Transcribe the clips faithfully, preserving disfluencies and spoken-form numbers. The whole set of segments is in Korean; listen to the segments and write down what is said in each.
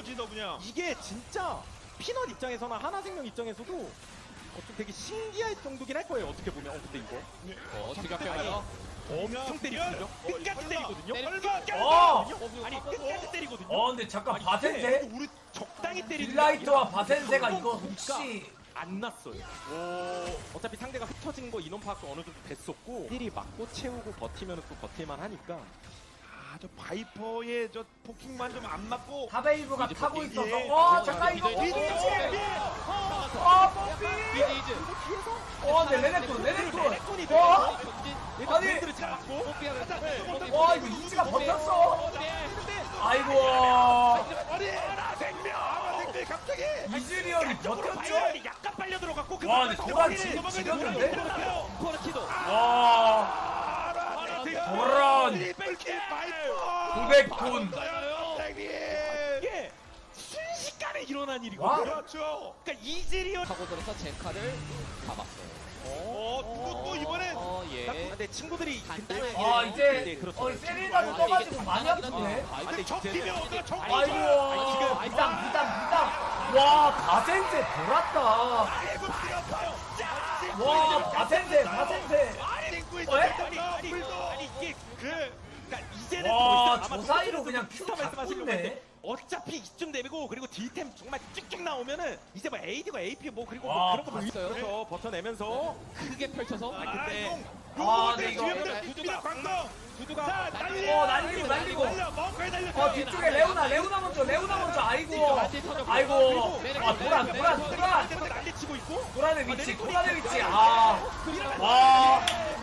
거지 너 그냥. 이게 진짜 피넛 입장에서나 하나생명 입장에서도 어좀 되게 신기할 정도긴 할 거예요. 어떻게 보면. 어 근데 이거 어, 어떻게 할까요? 엄청 때리거든요. 끝까지 때리거든요. 때리거든요. 어! 때리거든요. 아니 끝까지 때리거든요. 어 근데 잠깐 아니, 바센세? 이게 우리 적당히 때리는 게 딜라이트와 아니라 바센세가 한번 이거 보니까 혹시 안 났어요. 오. 어차피 상대가 흩어진 거 인원 파악도 어느 정도 됐었고 힐이 맞고 채우고 버티면 또 버틸만 하니까 아저 바이퍼의 저 포킹만 좀 안 맞고. 하베이브가 이제 타고 포킹. 있어서 예. 와 예. 잠깐 이거 이제 뽀삐! 이제 아 뽀삐! 비디즈. 그리고 뒤에서 어 근데 레넥톤 레넥톤 레넥톤이 어? 경진. 얘가 아니. 밴드를 잡았고 와 이거 이지가 버텼어 아이고 아니 하나 생명. 하나 생명 갑자기. 이즈리얼이 쪽으로 버텼죠? 바이올이 약간 빨려 들어갔고 그 와, 근데 상황에서 도란 도란이 지- 도망가는 지렸는데? 거예요. 코르키도 와 하나 생명. 도란 트리플킬 바이퍼. 구백 톤 생님. 이게 순식간에 일어난 와. 일이거든요. 그렇죠. 그러니까 이즈리얼 타고 들어서 제카를 잡았어요. 어, 누구 또 이번엔 어, 예. 근데 친구들이 간단하게. 아 네, 이제 그렇죠. 어 세리나도 떠가지고 많이 아프네 근데 적팀이 어디가 적. 아이고 지금 비담 비담 비담 와 바센세 돌았다 아이고 뛰었어요. 자, 와 바센세 바센세 아니 링구 있어. 어? 아니 아니 아니 이게 그 그러니까 이제는 와, 더 이상 저 아마 사이로 그냥 비슷한 큐 말씀하시려고 갖고 했는데 있네. 어차피 이쯤 되고 그리고 딜템 정말 쭉쭉 나오면은 이제 뭐 에이디가 에이피 뭐 그리고 와, 뭐 그런 거 봤어요? 보면서 버텨내면서 크게 펼쳐서. 아 근데 아, 근데 이거- 구두가 광동. 구두가 자, 날리. 어, 날리고, 날리고. 날려. 멍거에 날려. 어 뒤쪽에 레오나 레오나 먼저 레오나 먼저 아이고 아이고 아 도란 도란 도란 때문에 난리치고 있고 도란의 위치 도란의 위치 아와 와,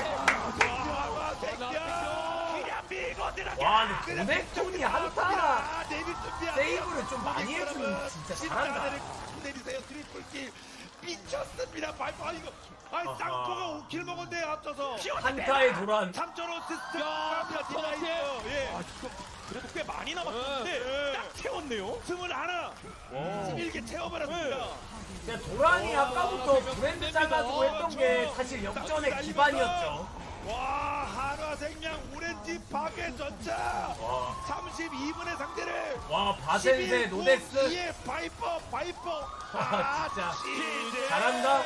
새끼야. 그냥 밀고 들어가. 와, 근데 도넥톤이 한타 아, 데뷔 준비야. 세이브를 좀 많이 해주면 진짜 잘한다. 내리세요. 트리플킬. 미쳤습니다. 발포. 아, 이거. 아니, 아하. 쌍코가 오 킬 먹었는데 앞서서. 한타의 도란 삼 점 오 시스템. 야, 딜라이트. 예. 아 이거 그래도 꽤 많이 남았는데 네. 딱 채웠네요. 스물 하나. 스물 개 채워버렸습니다. 그냥 도란이 아까부터 브랜드 짜가지고 했던 게 사실 역전의 기반이었죠 와, 한화생명 오렌지 파괴 전차. 와, 삼십이 분의 상대를. 와 바센세 노덱스 예, 바이퍼, 바이퍼. 아, 진짜. 시제. 잘한다.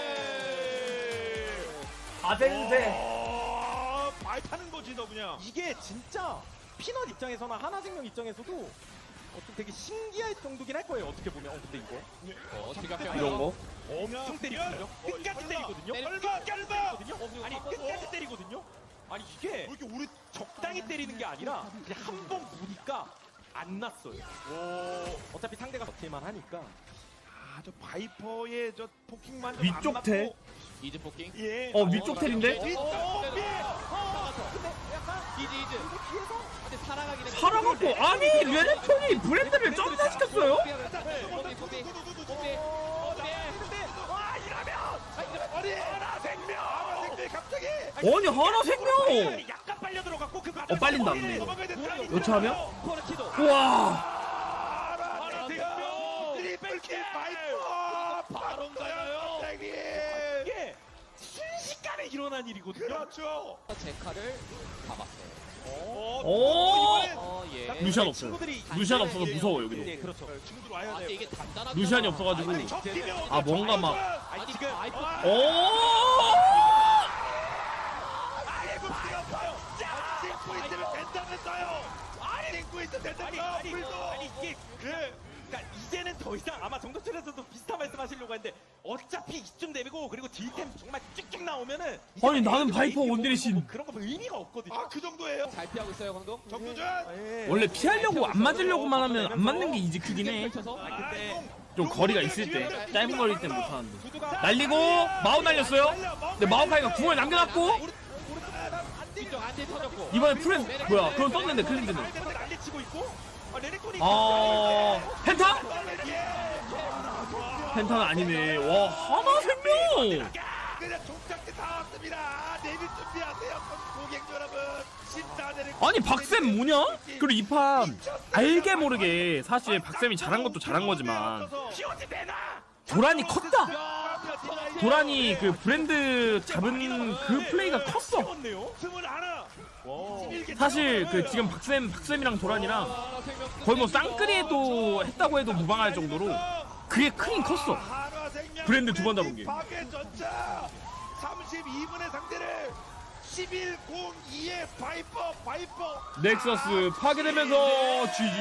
바센세 어, 바이파는 거지 너 그냥. 이게 진짜 피넛 입장에서나 하나생명 입장에서도 어좀 되게 신기할 정도긴 할 거예요. 어떻게 보면. 어 근데 이거 어, 어떻게 할까요? 이런 거 엄청 엄청 때리거든요. 끝까지 때리거든요. 때리- 끝까지 얼마? 때리거든요. 아니 끝까지 때리거든요. 아니 이게 왜 이렇게 우리 적당히 때리는 게 아니라 그냥 한 번 보니까 안 났어요. 어차피 상대가 버틸만 하니까. 아, 저 바이퍼의 저 포킹만 좀 위쪽 안 텔? 맞고. 이즈 포킹. 예. 어, 위쪽 텔인데? 위- 어, 어, 어, 예. 나가서. 근데 약간 이즈 이즈. 이거 뒤에서 근데 살아가긴 했어. 살아갖고 아니 레넥톤이 브랜드를 점사시켰어요? 고비 고비 고비. 근데 와 이러면 아니, 하나 생명. 하나 생명 갑자기. 아니 하나 생명! 약간 빨려 들어갔고 그 어, 빨린다, 근데 이거. 도망가야 돼. 요차하면? 코르키도 우와 하나 생명. 트리플킬 바이퍼. 바로인가요? 생님. 이게 순식간에 일어난 일이거든요. 그렇죠. 제카를 잡았어요. 어, 오! 이번엔 어, 예. 루시안 없어요. 친구들이 루시안 없어서 무서워 여기도. 네 그렇죠. 친구들 와야 아, 근데 돼. 이게 단단한. 루시안이 없어가지고. 아니, 적팀이 어디 아, 뭔가 막- 아니 아니 지금 지금 아이폰. 오! 아이고 뛰었어요. 자, 찍고 있으면 된다면서요. 아니, 찍고 있으면 아니 된다면서. 아니 불도. 아니 이게 그 그러니까 이제는 더 이상 아마 정도철에서도 비슷한 말씀하시려고 했는데 어차피 이쯤 되고 그리고 딜템 정말 쭉쭉 나오면은 이제 아니, 나는 에이디가 바이퍼 에이피 원딜의 뭐 신. 그런 거 의미가 없거든요. 아, 그 정도예요. 잘 피하고 있어요, 광동. 정도전. 예. 원래 피하려고 안 맞으려고만 하면 안 맞는 게 이지 크긴 해. 펼쳐서. 아 근데 좀 거리가 있을 때 짧은 거리일 땐 못하는데. 구두가 날리고 마우 날렸어요. 근데 마우카이가 궁을 남겨놨고 뒤쪽 안티 터졌고. 이번에 프렌 뭐야 그건 썼는데 클린드는. 때문에 난리치고 있고 아 레넥톤이 아 펜타? 펜타는 아니네. 와 하나 생명. 그냥 종착지 다 왔습니다. 내일 준비하세요, 고객 여러분. 십사대를 아니 박쌤 뭐냐? 그리고 이 판 알게 모르게 사실 박쌤이 잘한 것도 잘한 거지만 피오지 내놔. 도란이 컸다. 도란이 그 브랜드 잡은 그 플레이가 컸어. 컸네요. 스물 하나. 사실 그 지금 박쌤 박쌤이랑 도란이랑 거의 뭐 쌍끌이에도 했다고 해도 무방할 정도로 그게 크긴 컸어. 브랜드 두 번 잡은 게. 파괴 전차 삼십이 분의 상대를 십일 공이의 바이퍼 바이퍼 넥서스 파괴되면서 지지.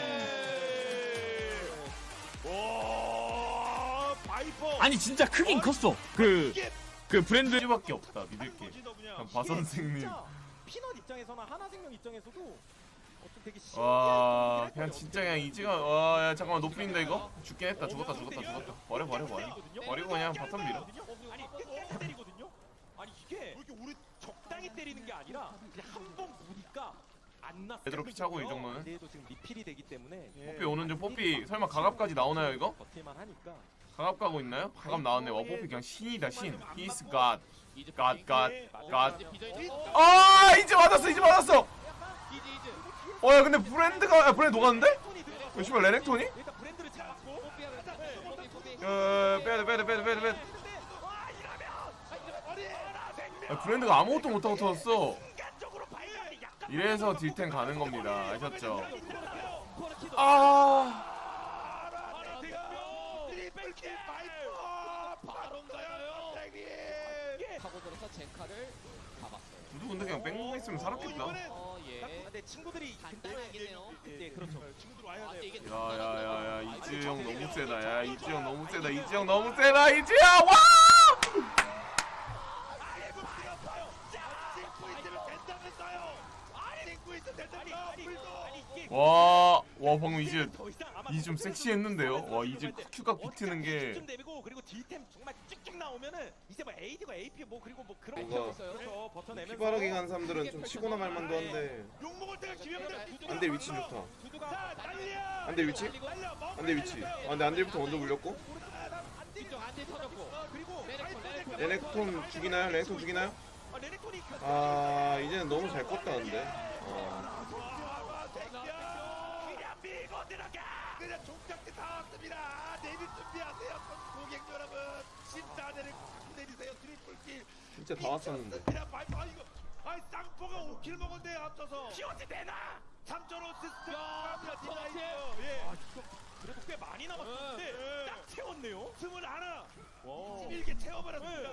오 바이퍼 아니 진짜 크긴 컸어. 그 이게 그 브랜드밖에 없다 믿을 게. 그냥 바 선생님. 피넛 입장에서나 하나생명 입장에서도 어떤 되게 와 그냥 진짜 그냥 이지가 와야 잠깐만 높인다 이거 죽긴 했다 죽었다 죽었다 죽었다 버려 버려 버려 버리고 그냥 바텀 밀어. 아니 끝까지 때리거든요. 아니 이게 왜 이렇게 우리 적당히 때리는 게 아니라 그냥 한 번 보니까 안 났어. 얘들아 피 차고 이 정도는. 얘도 지금 리필이 되기 때문에 뽀삐 오는 중. 뽀삐 설마 가갑까지 나오나요 이거? 버틸만 하니까. 가갑 가고 있나요? 가갑 나왔네. 와 뽀삐 그냥 신이다 신. He's God. God God God. 아 이제 맞았어 이제 맞았어. 어야 근데 브랜드가 야, 브랜드 녹았는데? 왜 씨발 레넥톤이? 일단 브랜드를 잡았고 어 빼야돼 빼야돼 빼야돼 빼야돼 빼야돼. 야, 브랜드가 아무것도 못하고 터졌어. 이래서 딜템 가는 겁니다. 아셨죠? 아 트리플킬 바이퍼 바론가요 선생님 타고 들어서 젠카를 잡았어요. 누구 근데 그냥 뺑뺑 있으면 살았겠다. 어 예. 근데 친구들이 간단하긴 해요. 네 그렇죠. 친구들 와야 아, 돼 이게 야야야야 이지영 너무 세다. 야 이지영 너무 세다. 이지영 너무 세다. 이지영 와! 와, 와 방금 이제 이제 좀 섹시했는데요. 와 이제 큐가 비트는 게 좀 내리고 그리고 딜템 정말 쭉쭉 나오면은 이제 뭐 에이디가 에이피 뭐 그리고 뭐 그런 뭔가 거 그렇죠. 버텨내면서 피바라기 간 사람들은 좀 치고나 말 만도 한데 욕먹을 때가 기회입니다. 안돼 위치 좋다. 자, 달려. 안돼 위치? 안돼 위치. 아 근데 안돼부터 먼저 물렸고. 뒤쪽 안돼 터졌고. 그리고 레넥톤 레넥톤. 레넥톤 죽이나요? 레넥톤 죽이나요? 아, 레넥톤이 아 이제는 너무 잘 컸다 근데. 어. 그냥 밀고 들어가. 그냥 종착대 다 왔습니다. 내릴 준비하세요, 고객 여러분. 진짜 내릴 내리세요. 트리플킬. 진짜 다 왔었는데. 그냥 바이퍼 아, 이거. 아 쌍포가 오 킬 먹었네 앞서서. 피오지 되나? 삼 점 오 시스템. 야, 디나이트. 야, 예. 그래도 꽤 많이 남았는데 예. 딱 채웠네요. 스물 하나. 와. 일개 채워버렸습니다.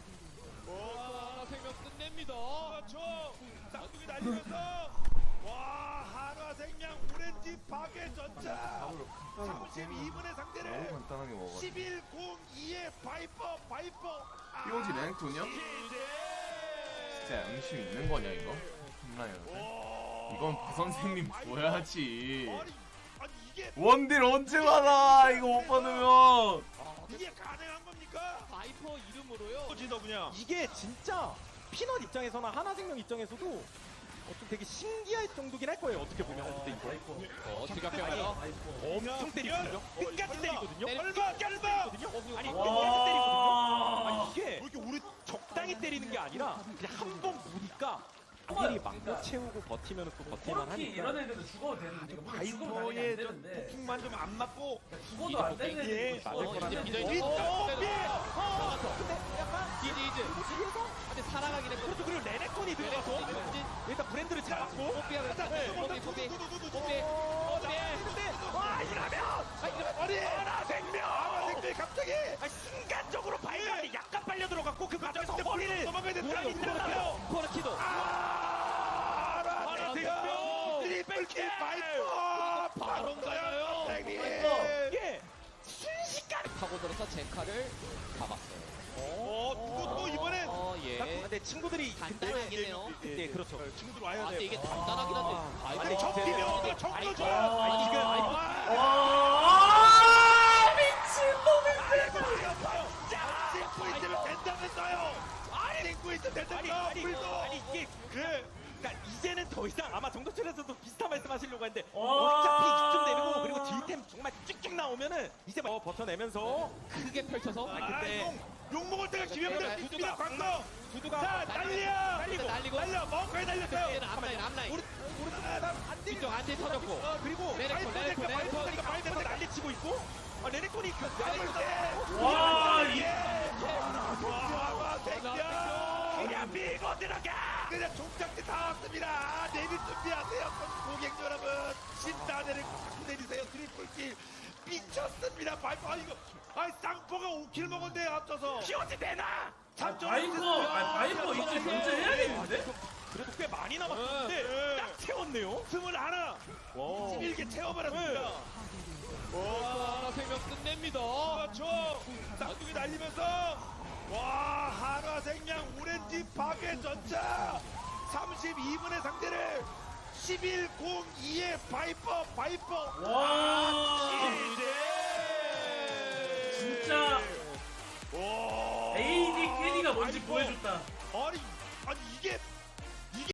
와 생명 끝냅니다. 그렇죠. 쌍둥이 날리면서 와 한화생명 오렌지 파괴 전차 삼십이 분의 너무 상대를 간단하게 먹어. 십일 공이의 바이퍼 바이퍼 피오지 레넥톤이요? 진짜 양심 있는 거냐 이거? 혼나요. 이건 바 선생님 줘야지. 아니 아니 이게 원딜 언제 받아? 이거 못 받으면. 이게 가능한 겁니까? 바이퍼 이름으로요. 지도 그냥 이게 진짜 피넛 입장에서나 하나생명 입장에서도 어떤 되게 신기할 정도긴 할 거예요. 어떻게 보면 근데 이거 어 지각해가요. 엄청 때리거든요. 끝까지 때리거든요. 얼마 얼마 아니 와. 끝까지 때리거든요. 아니 이게 이렇게 우리 적당히 때리는 게 아니라 그냥 한 번 보니까 일이 막고 채우고 버티면 또 버틸만 코르키 하니까. 이런 애들도 죽어도 되는데 이거 죽으면 당연히 안 바이퍼의 좀 되는데 폭풍만 좀 안 맞고 죽어도 안 되는 애들이 맞을 어 거라는 이제 비전 이 나왔어. 근데 약간 이즈 이즈. 근데 살아가긴 했거든. 그렇죠. 그리고 레넥톤이 들어가서 레넥톤이 일단 브랜드를 잡았고 뽀삐야 그랬다. 뽀삐 뽀삐 뽀삐 뽀삐. 와 이러면 아니 하나생명 하나생명 갑자기 아니, 순간적으로 발감이 약간 빨려 들어갔고 그 과정에서 허리를 도망가야 돼. 몰아요. 있잖아요. 코르키도. 하나생명 트리플킬 바이퍼 바론가요 선생님. 이게 순식간에 타고 들어서 젠카를 잡았어요. 어, 또, 또 이번엔 어 예. 근데 친구들이 간단하긴 해요. 네 그렇죠. 친구들 와야 아 돼. 근데 이게 단단하긴 한데. 아니 바이퍼. 적기면 적도 줘. 아니 지금 와 미친놈이 찍고 있으면 된다면서요. 아니 찍고 있으면 아니 된다면서. 아니 불도. 아니 이게 그래. 그러니까 이제는 더 이상 아마 정도철에서도 비슷한 말씀하시려고 했는데 와. 어차피 이쯤 되고 그리고 딜템 정말 쭉쭉 나오면은 이제 뭐 버텨내면서 크게 펼쳐서. 아, 근데- 아, 욕 먹을 때가 기회입니다. 두두가- 두두가 광고. 두두가 자 달려. 날리고 날리고. 달려. 멍까지 달렸어요. 얘는 앞라인 앞라인. 우리 우리 안 돼. 뒤쪽 안돼 터졌고. 어, 그리고 레넥톤, 레넥톤, 레넥톤. 바이퍼가 난리치고 있고 아, 레넥톤이 그 와, 이 와, 생겨! 그냥 밀고 들어가! 그냥 종착지 다 왔습니다. 내릴 준비하세요, 고객 여러분. 신다네를 꽉 내리세요. 트리플킬 미쳤습니다. 바이퍼 아 이거 아이 쌍포가 오 킬 먹었네 앞서서. 피오지 내놔. 참전. 바이퍼, 아, 바이퍼 이제 견제해야겠는데? 그래도 꽤 많이 남았는데 네. 딱 채웠네요. 스물 하나. 이십일 개 채워버렸습니다. 와, 생명 끝냅니다. 그렇죠. 쌍둥이 날리면서 와 한화생명 오렌지 파괴 전차 삼십이 분의 상대를 십일 공이의 바이퍼 바이퍼 와, 이제 진짜 와 에이디 캐리가 뭔지 보여줬다. 아니